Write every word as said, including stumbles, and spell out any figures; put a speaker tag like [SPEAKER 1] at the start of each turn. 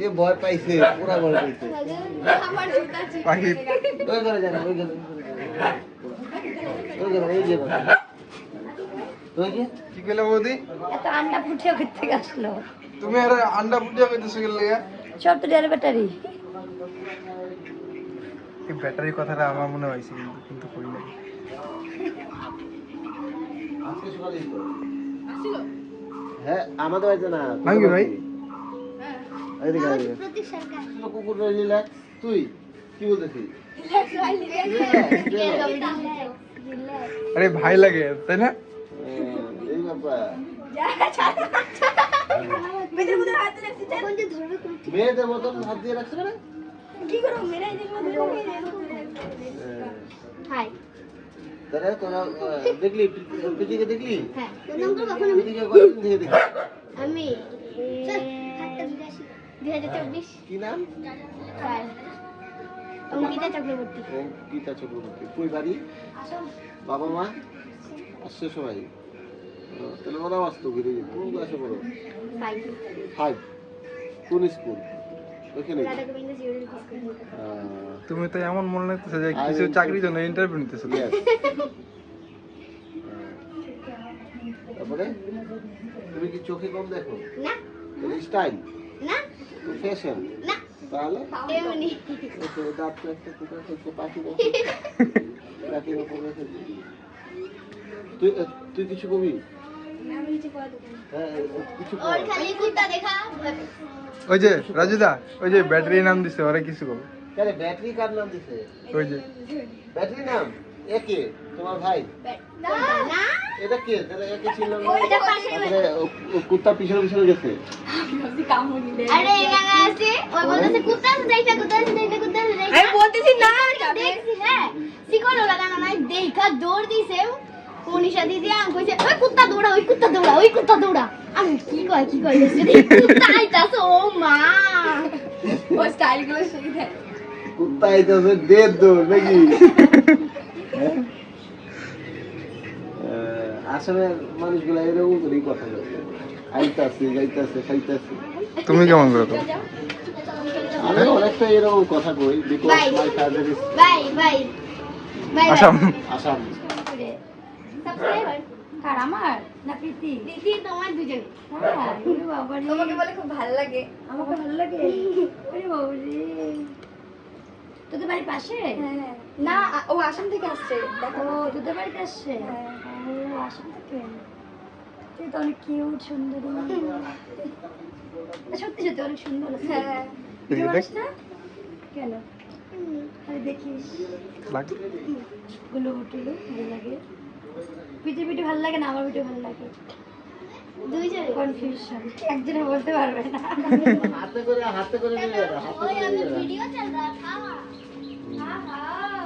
[SPEAKER 1] এ ভয় পাইছে পুরা ভয় পাইছে
[SPEAKER 2] আমার জুতা
[SPEAKER 3] পাখি
[SPEAKER 1] ওই করে জানা ওই করে ওই করে এই যে ওই যে
[SPEAKER 3] কি কইলা বৌদি
[SPEAKER 2] এত আন্ডা ফুটিয়ে করতে গেছিল
[SPEAKER 3] তুমি আর আন্ডা ফুটিয়া কইতেছো কি লাগা
[SPEAKER 2] সব তো ডেল ব্যাটারি
[SPEAKER 3] এই ব্যাটারি কথাটা আমার মনে হইছে কিন্তু কিন্তু কই নাই
[SPEAKER 1] আজকে সকালে তো আসিল হ্যাঁ আমাদের বাড়িতে না
[SPEAKER 3] ভাঙ্গি ভাই
[SPEAKER 1] হ্যাঁ এই দিকে আয় প্রতীক সরকার কুকুর রিল্যাক্স তুই কি বলতেছিস
[SPEAKER 3] আরে ভাই লাগে তাই না
[SPEAKER 1] এই বাবা
[SPEAKER 2] মেয়েদের মধ্যে হাত দিয়ে রাখছি কোন যে ধরবে কোন
[SPEAKER 1] মেয়েদের মতন হাত দিয়ে রাখছে না
[SPEAKER 2] কি করব মেরে এই মধ্যে হাই
[SPEAKER 1] তারা তোরা দেখলি প্রীতিকে দেখলি
[SPEAKER 2] হ্যাঁ নম্বর কখন
[SPEAKER 1] প্রীতিকে কতদিন থেকে দেখলি
[SPEAKER 2] আমি চল হাতটা বিরাশি দুই হাজার চব্বিশ
[SPEAKER 1] কি নাম
[SPEAKER 2] চার অঙ্কিতা চক্রবর্তী
[SPEAKER 1] গীতা চক্রবর্তী কই বাড়ি বাবা মা আসছে সবাই তাহলে ওরাও আসতো ঘুরে কোন ক্লাসে পড়ো
[SPEAKER 2] ফাইভ
[SPEAKER 1] ফাইভ কোন স্কুল ওইখানে
[SPEAKER 2] রাধা গোবিন্দ জিওরির কলেজ
[SPEAKER 3] তুমি তো এমন মনে লাগতেছে যে কিছু চাকরির জন্য ইন্টারভিউ নিতেছো
[SPEAKER 1] তারপরে তুমি কি চোখে কম দেখো
[SPEAKER 2] না
[SPEAKER 1] স্টাইল
[SPEAKER 2] না
[SPEAKER 1] ফ্যাশন
[SPEAKER 2] না
[SPEAKER 1] তাহলে
[SPEAKER 2] এমনি
[SPEAKER 1] ওকে দাঁত তো একটা কুকুর করতে পাখি পাখি তুই তুই কিছু কবি
[SPEAKER 2] আমি কিছু পড়া দেব
[SPEAKER 1] হ্যাঁ কিছু
[SPEAKER 2] ওর খালি কুত্তা দেখা
[SPEAKER 3] ওই যে রাজুদা ওই যে ব্যাটারি নাম দিছে ওরে কিছু কব
[SPEAKER 1] আরে ব্যাটারি কার নাম দিছে
[SPEAKER 3] ওই যে
[SPEAKER 1] ব্যাটারি নাম একে তোমার ভাই
[SPEAKER 2] না না
[SPEAKER 1] এটা কে তাহলে একে ছিল না
[SPEAKER 2] ওইটা পাশে
[SPEAKER 1] তারপরে ও কুত্তা পিছনে পিছনে গেছে
[SPEAKER 2] আরে এখানে আছে ওই বলতেছে কুত্তা আছে যাইতা কুত্তা আছে যাইতা কুত্তা আছে যাইতা আমি বলতেছি না দেখছি হ্যাঁ শিকল লাগানো নাই দেখা দৌড় দিছে মনীষা দিদি আম কইছে ওই কুত্তা দৌড়া ওই কুত্তা দৌড়া ওই কুত্তা দৌড়া আমি কি কয় কি কয় যদি কুত্তা আইতাছে ও মা ও স্টাইল গুলো সেই দেখ
[SPEAKER 1] কুত্তা আইতাছে দেড় দৌড় নাকি আসামের মানুষগুলো এরকম করেই কথা বলে আইতাছে যাইতাছে খাইতাছে
[SPEAKER 3] তুমি কেমন করে তো
[SPEAKER 1] আমি অনেকটা এরকম কথা কই because
[SPEAKER 2] Bye.
[SPEAKER 1] My father is
[SPEAKER 2] by by by
[SPEAKER 3] Assam
[SPEAKER 1] Assam
[SPEAKER 2] subscriber কার আমার না প্রীতি প্রীতি তোমার দুজন হ্যাঁ ওরে বাবা রে তোমাকে বলে খুব ভালো লাগে আমাকে ভালো লাগে ওরে বাবা রে তোদের বাড়ির পাশে হ্যাঁ না ও আসাম থেকে আসছে দেখো তোদের বাড়িতে আসছে ও আসাম থেকে তুই তো অনেক কিউট সুন্দরী সত্যি সত্যি অনেক সুন্দর হ্যাঁ
[SPEAKER 3] দেখি দেখ
[SPEAKER 2] না কেন আরে দেখিস
[SPEAKER 3] লাগ
[SPEAKER 2] গুলো টুলো ভালো লাগে পিঠে পিঠে ভালো লাগে না আমার পিঠে ভালো লাগে দুইজনে কনফিউশন একজনে বলতে পারবে না
[SPEAKER 1] হাতে করে হাতে করে নিয়ে যাও হাতে করে নিয়ে যাও
[SPEAKER 2] ভিডিও চল रहा था हां हां